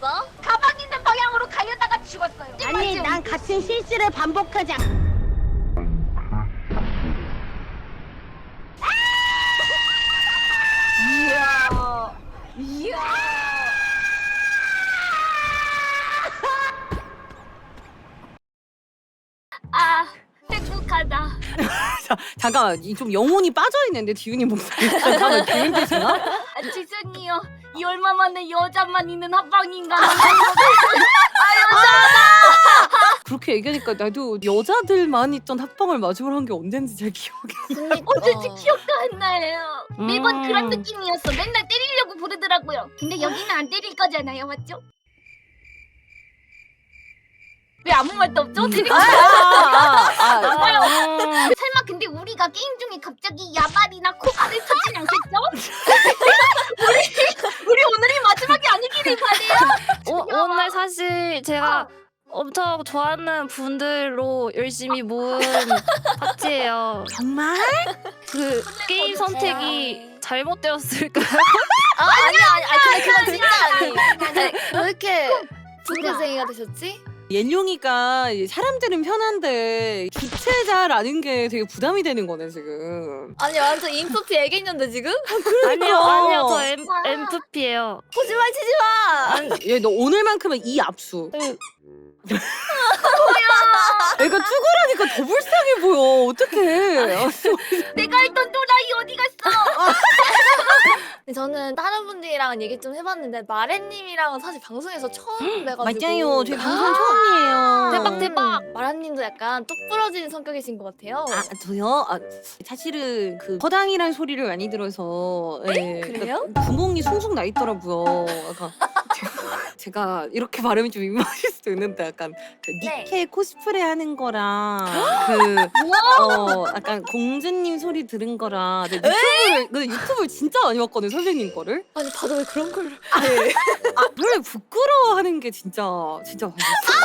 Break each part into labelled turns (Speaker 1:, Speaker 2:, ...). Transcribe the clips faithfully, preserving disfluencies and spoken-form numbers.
Speaker 1: 죽었어?
Speaker 2: 가방 있는 방향으로 가려다가 죽었어요.
Speaker 3: 아니 난 같은 실수를 반복하지 않...
Speaker 2: 이야. 이야. 아, 행복하다.
Speaker 4: 자, 잠깐만 이 좀 영혼이 빠져있는데 디윤이 목소리 잠깐만 디윤 되시나?
Speaker 2: 아, 죄송해요. 이 얼마 만에 여자만 있는 합방인가?
Speaker 4: 그렇게 얘기하니까 나도 여자들만 있던 합방을 마지막으로 한 게 언젠지 잘 기억이 안 나.
Speaker 2: 어쩐지 기억도 안 나요. 매번
Speaker 4: 음.
Speaker 2: 그런 느낌이었어. 맨날 때리려고 부르더라고요. 근데 여기는 안 때릴 거잖아요, 맞죠? 왜 아무 말도 없죠? 때리고
Speaker 4: 아, 아, 아,
Speaker 2: 싶어요.
Speaker 4: 아, 음.
Speaker 2: 설마 근데 우리가 게임 중에 갑자기 야발이나 코발을 터진 않겠죠? 우리 우리 오늘이 마지막이 아니기를 바래요.
Speaker 1: 오, 오늘 사실 제가 엄청 좋아하는 분들로 열심히 모은 파티예요.
Speaker 4: 정말?
Speaker 1: 그 게임 선택이 잘못되었을까요?
Speaker 5: 아 아니야 아니 아니 근데 그건 진짜 아니. 아니 왜 이렇게 붕괴생이가 되셨지?
Speaker 4: 옌룡이가 이제 사람들은 편한데 주체자라는 게 되게 부담이 되는 거네 지금.
Speaker 5: 아니 완전 인프피 애견인데 지금?
Speaker 1: 아니요 아니요 저 엠, 엠프피예요.
Speaker 5: 거짓말 치지 마.
Speaker 4: 얘 너 오늘만큼은 이 압수.
Speaker 1: 응.
Speaker 4: 애가 쭈그라니까 더 불쌍해 보여. 어떡해.
Speaker 2: 내가 했던 또라이 어디 갔어?
Speaker 5: 근데 저는 다른 분들이랑 얘기 좀 해봤는데 마렌님이랑은 사실 방송에서 처음 뵈가지고.
Speaker 4: 맞아요. 저희 방송 처음이에요.
Speaker 5: 대박 대박. 마라님도 약간 똑 부러진 성격이신 것 같아요.
Speaker 4: 아 저요? 아, 사실은 그 허당이란 소리를 많이 들어서 예,
Speaker 5: 그래요?
Speaker 4: 그러니까 구멍이 숭숭 나 있더라고요. 약간 제가, 제가 이렇게 발음이 좀 민망하실 수도 있는데 약간 그
Speaker 5: 네.
Speaker 4: 니케 코스프레 하는 거랑 그어 약간 공주님 소리 들은 거랑 근데 유튜브를 근데 유튜브를 진짜 많이 봤거든 선생님 거를.
Speaker 5: 아니 다들 왜 그런 걸?
Speaker 4: 아 원래 부끄러워하는 게 진짜 진짜 맛있어.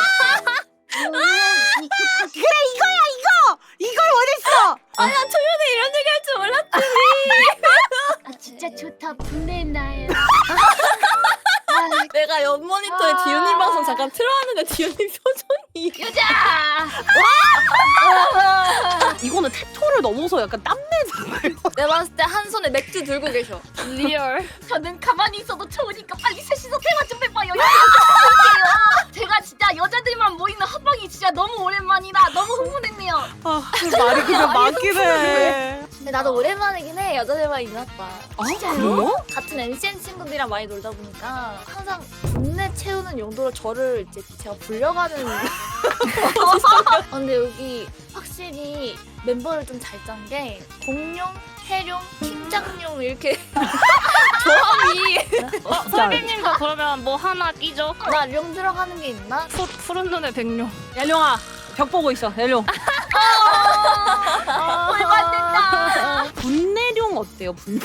Speaker 4: 그래 이거야 이거 이걸 원했어.
Speaker 5: 아니야 초면에 이런 얘기 할 줄 몰랐지.
Speaker 2: 아 진짜 좋다. 분해나요.
Speaker 5: 내가 옆 모니터에
Speaker 2: 아.
Speaker 5: 디오님 방송 잠깐 틀어하는데 디오님 표정이.
Speaker 2: 여자.
Speaker 4: 이거는 태토를 넘어서 약간 땀내잖아요.
Speaker 5: 내가 봤을 때 한 손에 맥주 들고 계셔.
Speaker 1: 리얼.
Speaker 2: 저는 가만히 있어도 좋으니까 빨리 셋이서 대화 좀 해봐요. 여기서 제가 진짜 여자들만 모이는 합방이 진짜 너무 오랜만이라 너무 흥분했네요.
Speaker 4: 아, 말이 그냥 많긴 해.
Speaker 5: 근데 나도 오랜만이긴 해. 여자들만 있났다.
Speaker 4: 아, 그래요?
Speaker 5: 같은 엠씨엔 친구들이랑 많이 놀다 보니까 항상 분내 채우는 용도로 저를 이제 제가 불려가는. 아, 근데 여기 확실히 멤버를 좀 잘 짠 게 공룡, 해룡, 팀장룡 이렇게 조합이.
Speaker 1: 어, 설비님도 그러면 뭐 하나 끼죠?
Speaker 5: 나룡 들어가는 게 있나?
Speaker 1: 푸, 푸른 눈의 백룡.
Speaker 4: 얄룡아, 벽 보고 있어. 얄룡.
Speaker 2: 올받는다.
Speaker 4: 분내룡 어때요? 분내.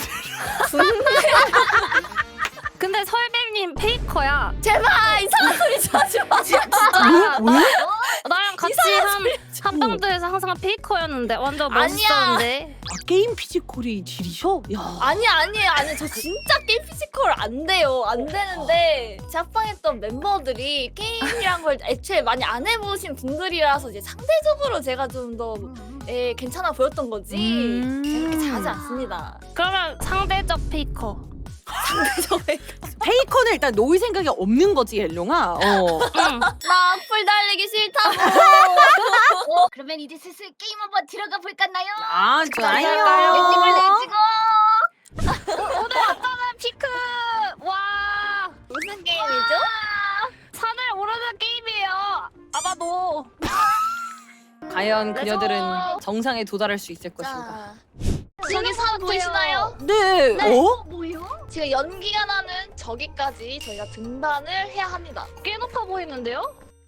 Speaker 1: 근데 설비님 페이커야.
Speaker 5: 제발 이상한 소리 좀 하지 마. 진짜.
Speaker 4: 왜? 왜?
Speaker 1: 나랑 같이 한 한방도에서 항상 페이커였는데 완전
Speaker 5: 아니야.
Speaker 1: 멋있었는데.
Speaker 4: 아, 게임 피지컬이 질이셔? 야.
Speaker 5: 아니 아니에요 아니 저 진짜 게임 피지컬 안 돼요 안 되는데 제 합방했던 멤버들이 게임이란 걸 애초에 많이 안 해보신 분들이라서 이제 상대적으로 제가 좀 더 예, 괜찮아 보였던 거지
Speaker 4: 음.
Speaker 5: 그렇게 잘하지 않습니다.
Speaker 1: 그러면 상대적 페이커.
Speaker 5: 상대적
Speaker 4: 페이커는 일단 놓을 생각이 없는 거지, 얄룡아. 어.
Speaker 1: 응.
Speaker 5: 나 악플 달리기 싫다고.
Speaker 2: 어, 그러면 이제 슬슬 게임 한번 들어가 볼까나요?
Speaker 4: 아,
Speaker 5: 좋아요.
Speaker 2: 렛츠고 렛츠고.
Speaker 1: 오늘 어떠면 피크. 와.
Speaker 5: 무슨 게임이죠?
Speaker 1: 산을 오르는 게임이에요. 아마도.
Speaker 4: 과연 그녀들은
Speaker 5: 렛츠고.
Speaker 4: 정상에 도달할 수 있을 것인가?
Speaker 5: 자 저기 산 보이시나요?
Speaker 4: 네. 어?
Speaker 2: 뭐요?
Speaker 5: 지금 연기가 나는 저기까지 저희가 등반을 해야 합니다.
Speaker 1: 꽤 높아 보이는데요?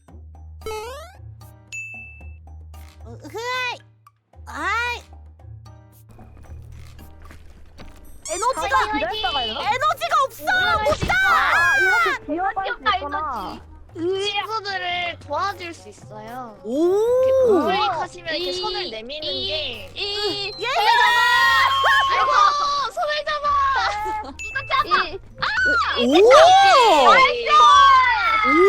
Speaker 3: 아이
Speaker 2: 에너지가
Speaker 3: 에너지가 없어.
Speaker 2: 뛰어가 에너지.
Speaker 5: 친구들을 도와줄 수 있어요.
Speaker 4: 오.
Speaker 5: 우익하시면 이렇게
Speaker 1: 이,
Speaker 5: 손을 내미는
Speaker 1: 이,
Speaker 5: 게
Speaker 1: 이
Speaker 5: 손을 잡아! 아이고 손을 잡아!
Speaker 2: 이거 잡아.
Speaker 5: 이,
Speaker 4: 오.
Speaker 5: 이,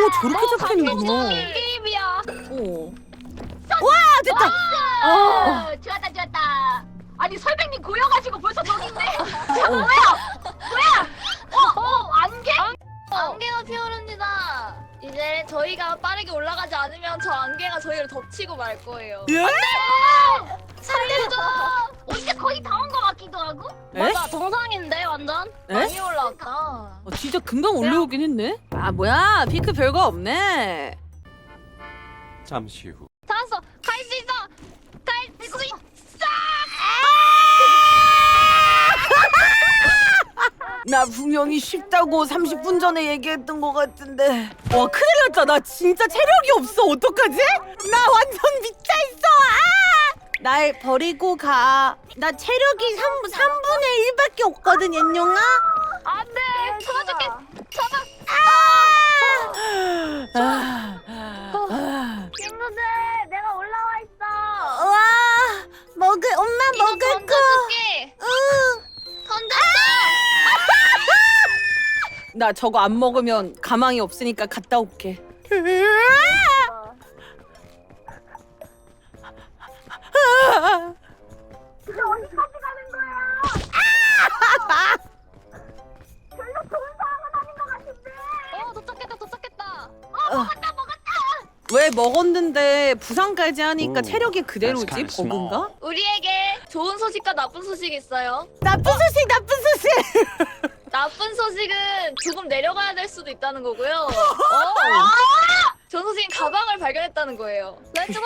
Speaker 4: 저렇게 잡히는구나.
Speaker 1: 게임이야.
Speaker 4: 어.
Speaker 3: 아 됐다.
Speaker 2: 아, 좋았다 좋았다. 아니 설백님 고여가지고 벌써 저기 있네. 뭐야? 뭐야? 어, 어, 안개?
Speaker 5: 안개가 피어릅니다. 이제 저희가 빠르게 올라가지 않으면 저 안개가 저희를 덮치고 말 거예요.
Speaker 4: 예?
Speaker 2: 살려줘. 어, 이제 거의 다 온 것 같기도 하고.
Speaker 4: 에?
Speaker 1: 맞아 정상인데 완전.
Speaker 4: 에?
Speaker 5: 많이 올라왔다.
Speaker 4: 어, 진짜 금방 올라오긴 했네. 아 뭐야 피크 별거 없네.
Speaker 6: 잠시 후.
Speaker 1: 잡았어. 갈 수 있어. 갈 수 있어.
Speaker 4: 나 분명히 쉽다고 삼십 분 전에 얘기했던 것 같은데. 와 큰일 났다. 나 진짜 체력이 없어. 어떡하지? 나 완전 미쳐있어. 아! 날 버리고 가. 나 체력이 삼분의 일밖에 없거든 연룡아.
Speaker 1: 안돼. 잡아줄게.
Speaker 4: 아! 아! 아!
Speaker 2: 친구들, 내가 올라와 있어.
Speaker 3: 와 먹을 엄마 먹을 거.
Speaker 5: 던져줄게.
Speaker 3: 응.
Speaker 5: 던졌어.
Speaker 4: 나 저거 안 먹으면 가망이 없으니까 갔다 올게.
Speaker 2: 어디까지 가는 거야? 별로 좋은 상황은 아닌 것 같은데.
Speaker 1: 어 도착했다 도착했다.
Speaker 4: 왜 먹었는데 부상까지 하니까
Speaker 6: 오,
Speaker 4: 체력이 그대로지?
Speaker 6: that's kinda small.
Speaker 4: 버그인가?
Speaker 5: 우리에게 좋은 소식과 나쁜 소식이 있어요.
Speaker 3: 나쁜 소식 나쁜 소식.
Speaker 5: 나쁜 소식은 조금 내려가야 될 수도 있다는 거고요. 좋은 소식은 가방을 발견했다는 거예요.
Speaker 1: 렛츠고.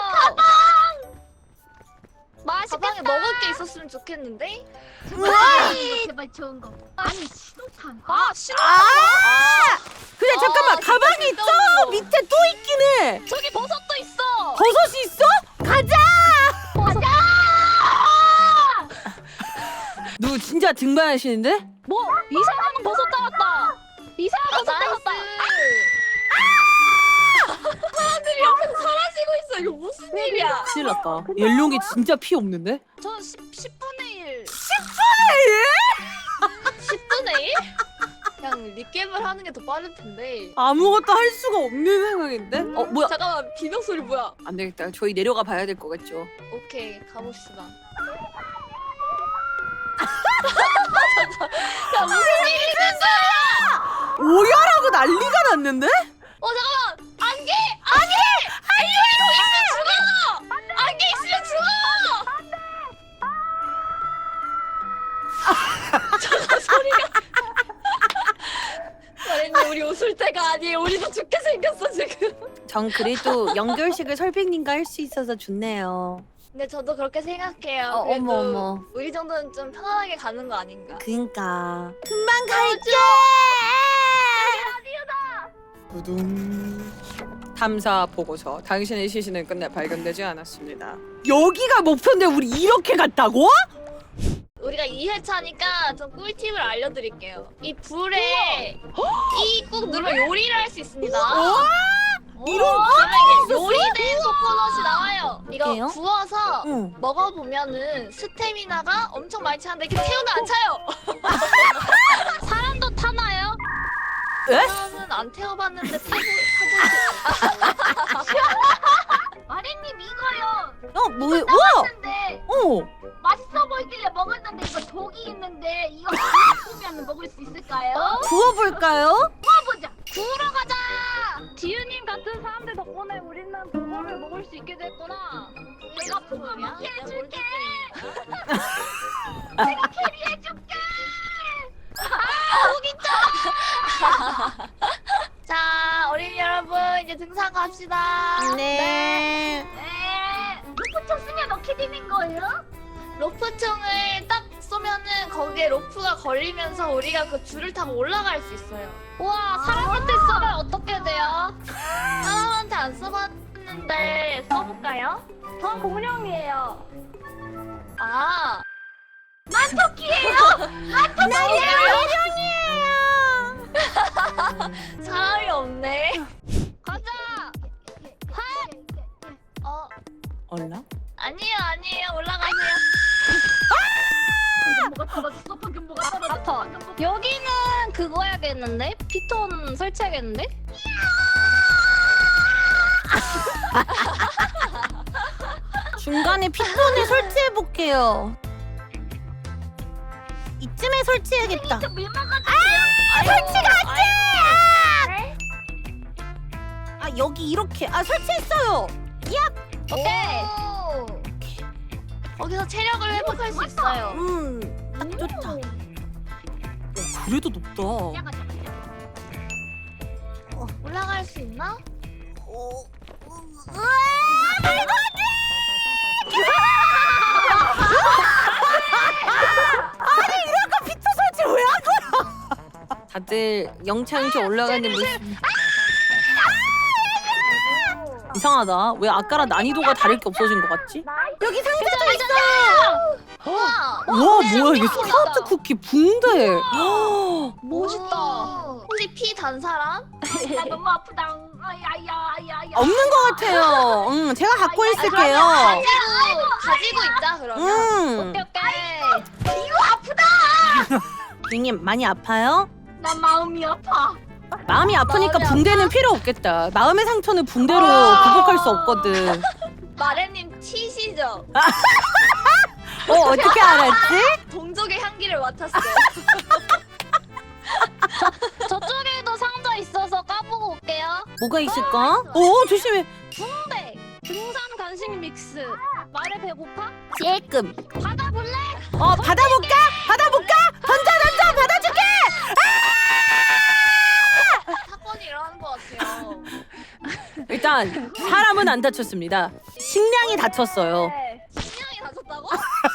Speaker 1: 맛있겠다.
Speaker 5: 가방에 먹을 게 있었으면 좋겠는데?
Speaker 2: 아이, 제발 좋은 거. 아니 신호탄.
Speaker 1: 아 싫어.
Speaker 4: 아! 근데 잠깐만
Speaker 5: 아,
Speaker 4: 가방이
Speaker 5: 진짜
Speaker 4: 있죠?
Speaker 5: 쓸데없는
Speaker 4: 밑에 또 있긴 해.
Speaker 1: 저기 버섯도 있어.
Speaker 4: 버섯이 있어? 가자! 누 진짜 등반하시는데?
Speaker 1: 뭐 이상한 버섯 따랐다. 이상한 버섯 따랐다.
Speaker 5: 사람들이 옆에서 사라지고 있어. 이거 무슨 일이야?
Speaker 4: 큰일 났다. 연룡이 진짜 피 없는데?
Speaker 1: 저 십분의 일.
Speaker 5: 십분의 일? 그냥 리겜을 하는 게 더 빠를 텐데.
Speaker 4: 아무것도 할 수가 없는 상황인데? 어 뭐야?
Speaker 5: 잠깐만, 비명 소리 뭐야?
Speaker 4: 안 되겠다. 저희 내려가 봐야 될 것 같죠?
Speaker 5: 오케이, 가봅시다. 야, 무슨 일이 있었어?
Speaker 4: 오열하고 난리가 났는데?
Speaker 5: 어, 잠깐만! 안개! 안개! 안개! 거기 있으면 죽어! 안개 있으면 죽어! 잠깐, 소리가. 마린님, 우리 웃을 때가 아니에요. 우리도 죽게 생겼어, 지금.
Speaker 4: 전 그래도 연결식을 설백님과 할 수 있어서 좋네요.
Speaker 5: 근데 저도 그렇게 생각해요.
Speaker 4: 어,
Speaker 5: 그래도
Speaker 4: 어머, 어머.
Speaker 5: 우리 정도는 좀 편안하게 가는 거 아닌가?
Speaker 4: 그니까.
Speaker 3: 금방 갈게.
Speaker 4: 구둥. 탐사 보고서. 당신의 시신은 끝내 발견되지 않았습니다. 여기가 목표인데 우리 이렇게 갔다고?
Speaker 5: 우리가 이 회차니까 좀 꿀팁을 알려드릴게요. 이 불에 이 꾹 누르면 요리를 할 수 있습니다.
Speaker 4: 이런
Speaker 5: 그러면 이게 요리된 코코넛이 나와요. 이거
Speaker 4: 어때요?
Speaker 5: 구워서
Speaker 4: 응.
Speaker 5: 먹어보면은 스태미나가 엄청 많이 차는데 이렇게 태우면 안 차요.
Speaker 1: 사람도 타나요?
Speaker 4: 에?
Speaker 5: 사람은 안 태워봤는데 타보, 타보지.
Speaker 2: 마리님 이거요.
Speaker 4: 어, 뭐야? 우와!
Speaker 2: 근데
Speaker 4: 어.
Speaker 2: 맛있어 보이길래 먹었는데 이거 독이 있는데 이거 구우면 먹을 수 있을까요?
Speaker 4: 구워볼까요?
Speaker 2: 구워보자.
Speaker 1: 구우러 가자. 지유님 같은 사람들 덕분에 우리는 그거를 먹을 수 있게 됐구나.
Speaker 2: 내가 그거 먹게
Speaker 5: 내가 뭘
Speaker 2: 해줄게.
Speaker 5: 뜯겠니?
Speaker 2: 내가 캐리해줄게.
Speaker 5: 자, 어린이 여러분 이제 등산 갑시다.
Speaker 3: 네.
Speaker 2: 네. 루프총 쓰면 어떻게 되는 거예요?
Speaker 5: 로프총을 딱 쏘면은 거기에 로프가 걸리면서 우리가 그 줄을 타고 올라갈 수 있어요.
Speaker 1: 우와 사람한테 쏘면 어떻게 돼요?
Speaker 5: 사람한테 안 써봤는데 써볼까요?
Speaker 1: 전 공룡이에요.
Speaker 5: 아,
Speaker 2: 난 토끼예요.
Speaker 5: 사람이 없네.
Speaker 1: 가자.
Speaker 5: 어,
Speaker 4: 얼라?
Speaker 5: 아니에요, 아니에요. 올라가세요.
Speaker 2: 뭐가 떨어졌어? 방금 뭐가 떨어졌어?
Speaker 1: 컷. 여기는 그거 해야겠는데? 피톤 설치해야겠는데?
Speaker 4: 중간에 피톤을 설치해 볼게요.
Speaker 3: 이쯤에 설치해야겠다.
Speaker 2: 아
Speaker 3: 설치가 안 돼! 아 여기 이렇게 아 설치했어요.
Speaker 1: 오케이.
Speaker 5: 거기서 체력을 회복할 수 있어요.
Speaker 3: 음, 딱 좋다.
Speaker 4: 그래도 높다.
Speaker 5: 올라갈 수 있나?
Speaker 3: 어,
Speaker 4: 다들 영창이렇게 올라가는 모습. 이상하다. 왜 아까랑 난이도가 다를 게 없어진 것 같지?
Speaker 3: 여기 상자도 있어.
Speaker 5: 와,
Speaker 4: 와 뭐야 이게 스카우트 쿠키 붕대.
Speaker 1: 멋있다.
Speaker 5: 혹시 피 단 사람?
Speaker 2: 나 너무 아프다. 아야야야야.
Speaker 4: 없는 것 같아요. 응, 제가 갖고 있을게요.
Speaker 5: 가지고 가지고 있자 그러면.
Speaker 4: 음,
Speaker 1: 오케이 오케이.
Speaker 4: 님 많이 아파요?
Speaker 2: 나 마음이 아파.
Speaker 4: 마음이 아프니까
Speaker 5: 마음이
Speaker 4: 붕대는 필요 없겠다. 마음의 상처는 붕대로
Speaker 5: 아.
Speaker 4: 극복할 수 없거든.
Speaker 5: 마레님 치시죠?
Speaker 4: 어 어떻게 알았지?
Speaker 5: 동족의 향기를 맡았어요.
Speaker 1: 저쪽에도 상자 있어서 까보고 올게요.
Speaker 4: 뭐가 있을까? 오 조심해.
Speaker 1: 붕대. 등산 간식 믹스. 말에 배고파?
Speaker 4: 찔끔.
Speaker 1: 받아볼래?
Speaker 4: 어 받아볼까? 받아볼까? 던져 던져 받아줄게.
Speaker 5: 사건이 일어나는 것 같아요.
Speaker 4: 일단 사람은 안 다쳤습니다. 식량이 다쳤어요.
Speaker 1: 네.
Speaker 5: 식량이 다쳤다고?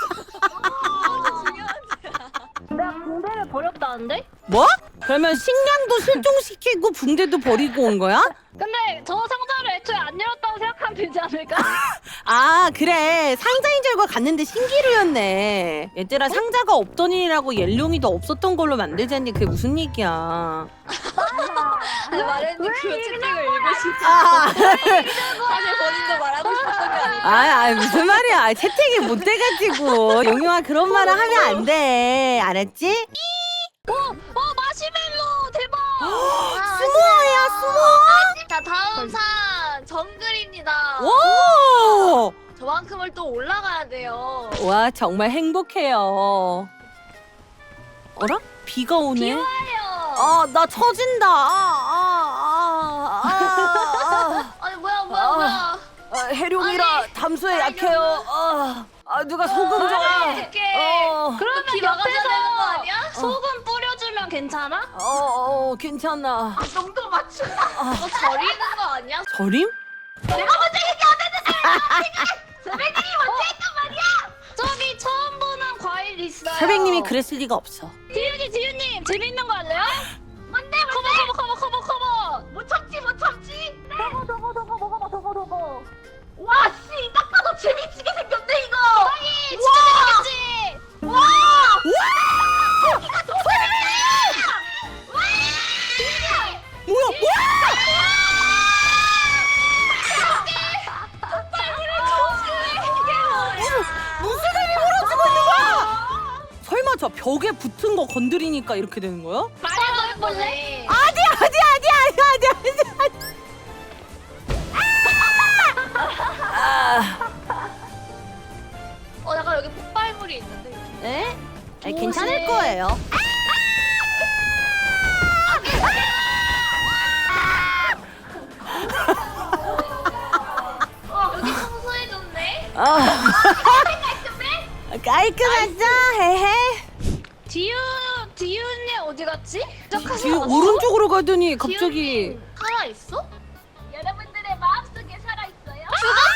Speaker 1: 내가 붕대를 버렸다는데?
Speaker 4: 뭐? 그러면 식량도 실종시키고 붕대도 버리고 온 거야?
Speaker 1: 근데 저 상자를 애초에 안 열었다고 생각하면 되지 않을까?
Speaker 4: 아 그래 상자인 줄 알고 갔는데 신기루였네. 얘들아 상자가 없던 일이라고 옐룡이도 없었던 걸로 만들자니 그게 무슨 얘기야.
Speaker 5: 아니, 마레님 그 채팅을 읽으시고
Speaker 4: 아,
Speaker 5: 사실 본인도 말하고 싶었던 게 아니고.
Speaker 4: 아, 아 무슨 말이야. 아, 채팅이 못 돼가지고 용용아 그런 말을 하면 안 돼. 알았지?
Speaker 1: 어, 어 마시멜로 대박!
Speaker 4: 스모어야 스모어.
Speaker 5: 자 다음 산 정글입니다.
Speaker 4: 오!
Speaker 5: 저만큼을 또 올라가야 돼요.
Speaker 4: 와 정말 행복해요. 어라? 비가 오네. 아 나 처진다. 아, 아, 아, 아,
Speaker 5: 아니 뭐야 뭐야
Speaker 4: 아.
Speaker 5: 뭐야.
Speaker 4: 아, 아, 해룡이라 담수에 약해요. 아, 아 누가 소금 좀.
Speaker 5: 어떡해.
Speaker 4: 어,
Speaker 1: 그러면
Speaker 5: 비 막아줘야 되는 거
Speaker 1: 옆에서
Speaker 5: 아니야?
Speaker 1: 소금 뿌려주면 괜찮아?
Speaker 4: 어, 어 괜찮아.
Speaker 2: 정도 맞춘다.
Speaker 5: 너 저리는 거 아니야?
Speaker 4: 절임?
Speaker 1: 저기 처음 보는 과일 있어요.
Speaker 4: 설백님이 그랬을 리가 없어.
Speaker 1: 지윤이 지윤님 재밌는 거 할래요? 뭔데? 커버 커버 커버 커버 커버.
Speaker 2: 못 참지 못 참지.
Speaker 1: 저거 저거 저거 먹어봐 저거 저거.
Speaker 2: 와 씨, 딱 봐도 재미지게 생겼네 이거.
Speaker 1: 아니 진짜 재밌겠지.
Speaker 2: 와.
Speaker 4: 뭐야? 무슨 일이 벌어지고 있는 거야? 설마 저 벽에 붙은 거 건드리니까 이렇게 되는 거야?
Speaker 1: 말해도 해볼래?
Speaker 4: 아니야 아니야 아니야 아니야 아니야. 아,
Speaker 5: 어 약간 여기 폭발물이 있는데.
Speaker 4: 에? 아니, 괜찮을 거예요.
Speaker 5: 여기 청소해줬네.
Speaker 4: 아. 깔끔하죠? 헤헤.
Speaker 1: 지윤 지윤이 어디 갔지?
Speaker 4: 지금 오른쪽으로 가더니 갑자기
Speaker 5: 살아 있어?
Speaker 2: 여러분들의 마음속에 살아 있어요.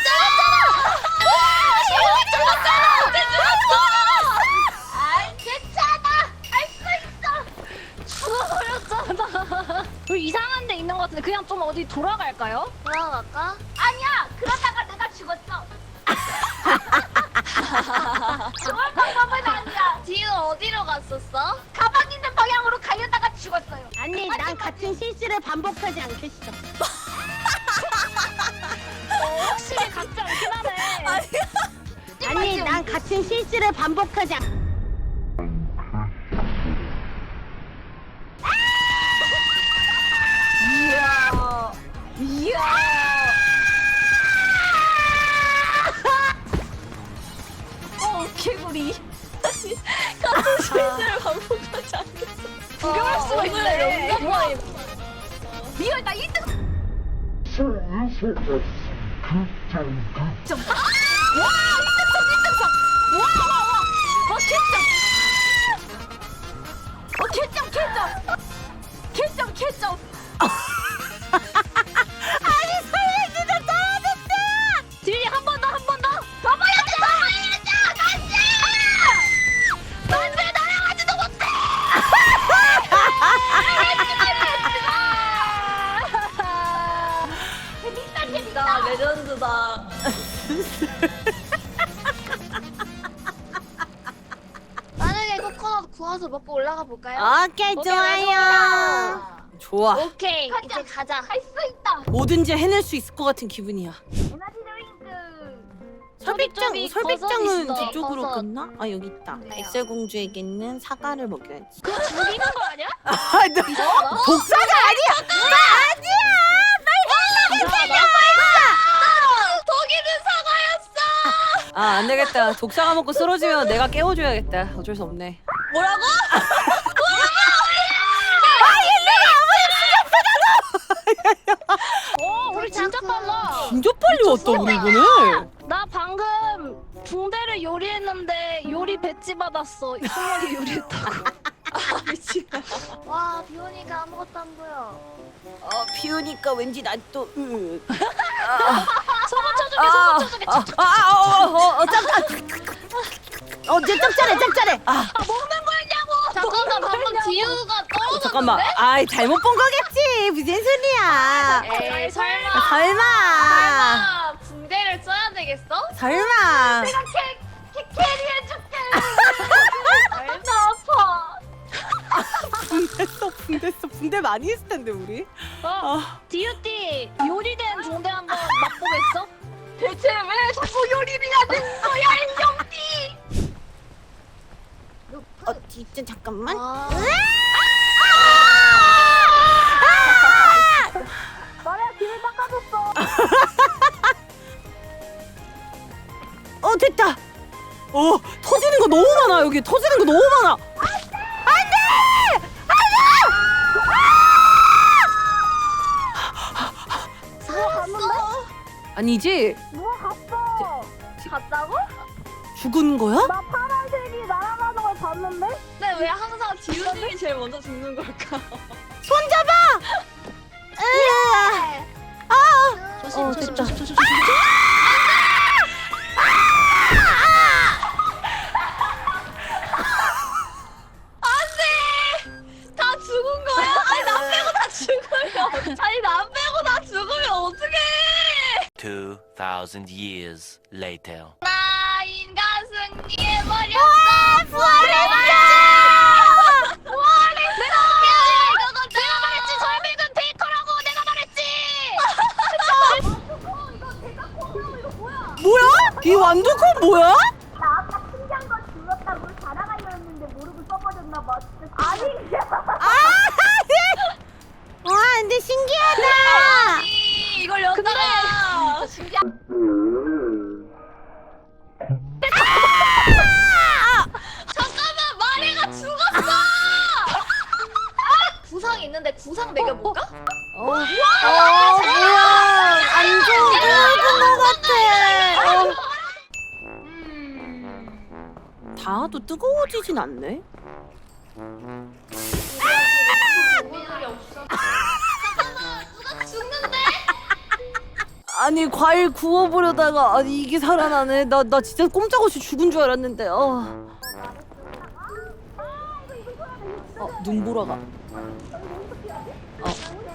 Speaker 1: 죽어버렸잖아. 여기 이상한 데 있는 것 같은데 그냥 좀 어디 돌아갈까요?
Speaker 5: 돌아갈까?
Speaker 2: 아니야, 그러다가 내가 죽었어. 좋은 방법은 아니야.
Speaker 5: 지우 어디로 갔었어?
Speaker 2: 가방 있는 방향으로 가려다가 죽었어요.
Speaker 3: 아니 난 같은 실수를 반복하지 않겠어.
Speaker 1: 확실히 같지 않긴 하네.
Speaker 3: 아니 난 같은 실수를 반복하지 않.
Speaker 1: 구경할 수가 있네.
Speaker 2: 리얼 나 일 등. 어, 개점, 개점! 개점, 개점!
Speaker 4: 아니 설레 진짜 잘하셨다.
Speaker 1: 지윤이 한 번 더, 한 번 더.
Speaker 2: 더 봐야지, 더 봐야지! 간지! 난왜 날아가지도 못해! 재밌다, 재밌다!
Speaker 5: 레전드다.
Speaker 3: 만약에 코코넛 구워서 먹고 올라가 볼까요?
Speaker 4: 오케이
Speaker 3: 오케이,
Speaker 4: 좋아요. 좋아.
Speaker 3: 오케이
Speaker 2: 가자.
Speaker 3: 이제 가자.
Speaker 2: 할 수 있다!
Speaker 4: 뭐든지 해낼 수 있을 것 같은 기분이야.
Speaker 2: 에너지 드링크!
Speaker 4: 설백장
Speaker 1: 저기
Speaker 4: 설백장은
Speaker 1: 버섯 있어,
Speaker 4: 저쪽으로
Speaker 1: 버섯.
Speaker 4: 갔나? 아 여기 있다. 엑셀 공주에게는 사과를 먹여야지.
Speaker 1: 그거 죽이는 거 아니야?
Speaker 4: 아, 너 독사가 아니야. 나 아니야.
Speaker 2: 독일은 사과였어!
Speaker 4: 아, 안 되겠다. 독사가 먹고 쓰러지면 내가 깨워줘야겠다. 어쩔 수 없네.
Speaker 5: 뭐라고?
Speaker 1: 오, 우리 진짜 빨라.
Speaker 4: 진짜 빨리 왔다 우리 이번에.
Speaker 1: 나 방금 붕대를 요리했는데 요리 배지 받았어. 승원이 요리했다고.
Speaker 3: 와 비오니까 아무것도 안 보여.
Speaker 4: 어, 비 오니까 왠지 난 또. 으.
Speaker 1: 소금 쳐주게, 소금 쳐주게.
Speaker 4: 아, 아, 아, 어, 어, 어, 짭, 아. 어, 쟤 짭짤해, 짭짤해. 아,
Speaker 3: 잠깐만 방금 지우가 떨어졌는데?
Speaker 4: 잠깐만. 아이, 잘못 본 거겠지. 무슨 소리야.
Speaker 3: 에이 설마.
Speaker 4: 아, 설마.
Speaker 3: 설마 붕대를 써야 되겠어?
Speaker 4: 설마.
Speaker 2: 내가 캐, 캐, 캐리해줄게! 나 아파!
Speaker 4: 붕대 써, 붕대 써. 붕대 많이 했을 텐데, 우리.
Speaker 1: 어,
Speaker 4: 아,
Speaker 1: 디유띠 요리된 붕대 한번 맛보겠어?
Speaker 2: 대체 왜 자꾸 요리비가 된 거야, 인형띠!
Speaker 4: 어, 진짜 잠깐만.
Speaker 3: 아.
Speaker 1: 나래야 길을 닦아줬어.
Speaker 4: 어, 됐다. 어, 터지는 거 너무 많아. 여기 터지는 거 너무 많아.
Speaker 1: 누가 갔는데?
Speaker 4: 아니지?
Speaker 1: 누가 갔어?
Speaker 2: 갔다고?
Speaker 4: 죽은 거야?
Speaker 1: 나 파란색이 날아가는 걸 봤는데?
Speaker 5: 근데 왜 항상 지우님이 제일 먼저 죽는 걸까?
Speaker 4: 손잡아. 으아. 아.
Speaker 3: 조심
Speaker 4: 어,
Speaker 3: 조심
Speaker 4: 됐다.
Speaker 3: 조심 조심.
Speaker 5: 다 죽은 거야? 아니 나 빼고 다 죽으면 아니 나 빼고 다 죽으면 어떡해?
Speaker 6: Two thousand years later.
Speaker 2: 나 인간 승리해버렸어!
Speaker 4: 부활했어.
Speaker 2: 부활했어! 이거 내가 말했지! 설백은 베이커라고 내가 말했지!
Speaker 4: 뭐야? 이 완두콩 뭐야?
Speaker 2: 나 아까 신기한 거 죽었다고 자랑하려는데 모르고 써버렸나봐. 아니,
Speaker 4: 아, 와, 근데 신기하다.
Speaker 5: 아니 이걸 였다가
Speaker 2: 잠깐만, 마리가 죽었어!
Speaker 5: 구상 있는데 구상 매겨볼까?
Speaker 4: 어, 어, 뭐야? 완전 늙은 것 같아. 어. 닿아도 뜨거워지진 않네.
Speaker 2: 죽는데?
Speaker 4: 아니 과일 구워보려다가 아니 이게 살아나네. 나 나 진짜 꼼짝없이 죽은 줄 알았는데. 어. 어 눈보라가. 어.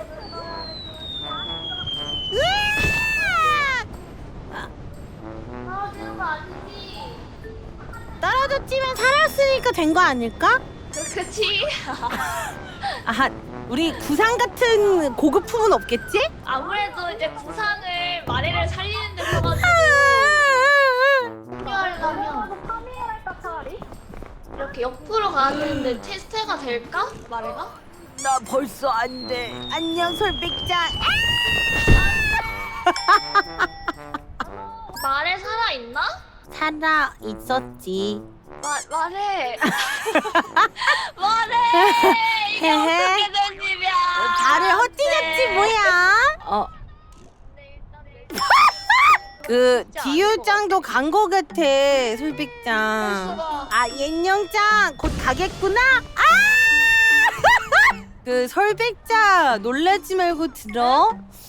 Speaker 4: 떨어졌지만 살았으니까 된 거 아닐까?
Speaker 2: 그치?
Speaker 4: 아하, 우리 구상 같은 고급품은 없겠지?
Speaker 5: 아무래도 이제 구상을 마레를 살리는 데 써가지고
Speaker 3: 합류하려면
Speaker 2: 파미엘할까 차라리?
Speaker 3: 이렇게 옆으로 가야 되는데 테스트가 될까? 마레가?
Speaker 4: 나 벌써 안 돼. 안녕 설백장.
Speaker 3: 마레 살아있나?
Speaker 4: 살아 있었지.
Speaker 3: 마, 말해. 말해. 이게
Speaker 4: 헤헤.
Speaker 3: 어떻게 된 일이야.
Speaker 4: 발을 헛디뎠지 뭐야? 어. 그 디유짱도 간 거 같아 솔백짱. 아 옌영짱 곧 가겠구나. 아! 그 설백짱 놀라지 말고 들어.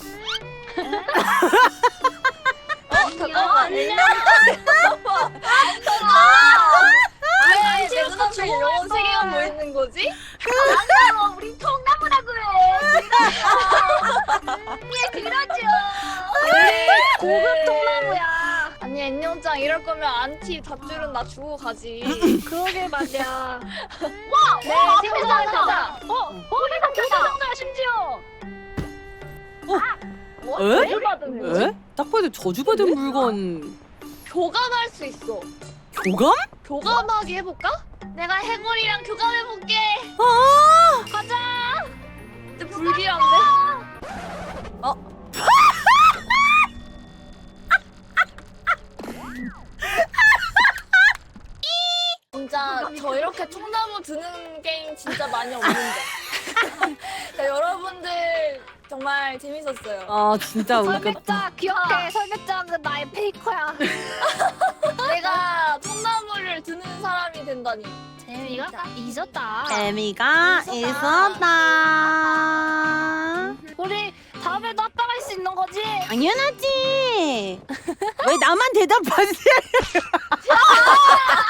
Speaker 3: 어, 잠깐만. 왜 이제 눈앞에 이런 세계가 뭐 있는 거지?
Speaker 2: 아니야 우리 통나무라고 해. 예 그러죠.
Speaker 3: 고급 통나무야. 아니 앤영짱 이럴 거면 안티 닷줄은 나 주고 가지.
Speaker 1: 그러게 말이야.
Speaker 2: 와,
Speaker 3: 네,
Speaker 2: 와
Speaker 3: 생각나,
Speaker 2: 앞에잖아.
Speaker 3: 생각나.
Speaker 1: 어, 어, 이거 교사정도야 심지어.
Speaker 3: 뭐?
Speaker 4: 에?
Speaker 3: 뭘 받은 거지?
Speaker 4: 에? 딱 봐도 저주받은 물건.
Speaker 3: 교감할 수 있어.
Speaker 4: 교감?
Speaker 3: 교감하기 해볼까? 내가 해골이랑 교감해볼게.
Speaker 4: 아!
Speaker 3: 가자. 근데 불길한데? 진짜 저 이렇게 통나무 드는 게임 진짜 많이 없는데. 자, 여러분들 정말 재밌었어요.
Speaker 4: 아 진짜 웃겼다.
Speaker 1: 설백자 기억해. 설백자는 나의 페이커야.
Speaker 3: 내가 통나무를 드는 사람이 된다니.
Speaker 1: 재미가 잊었다.
Speaker 4: 재미가 있었다.
Speaker 1: 우리 다음에도 합방할 수 있는 거지?
Speaker 4: 당연하지. 왜 나만 대답하지?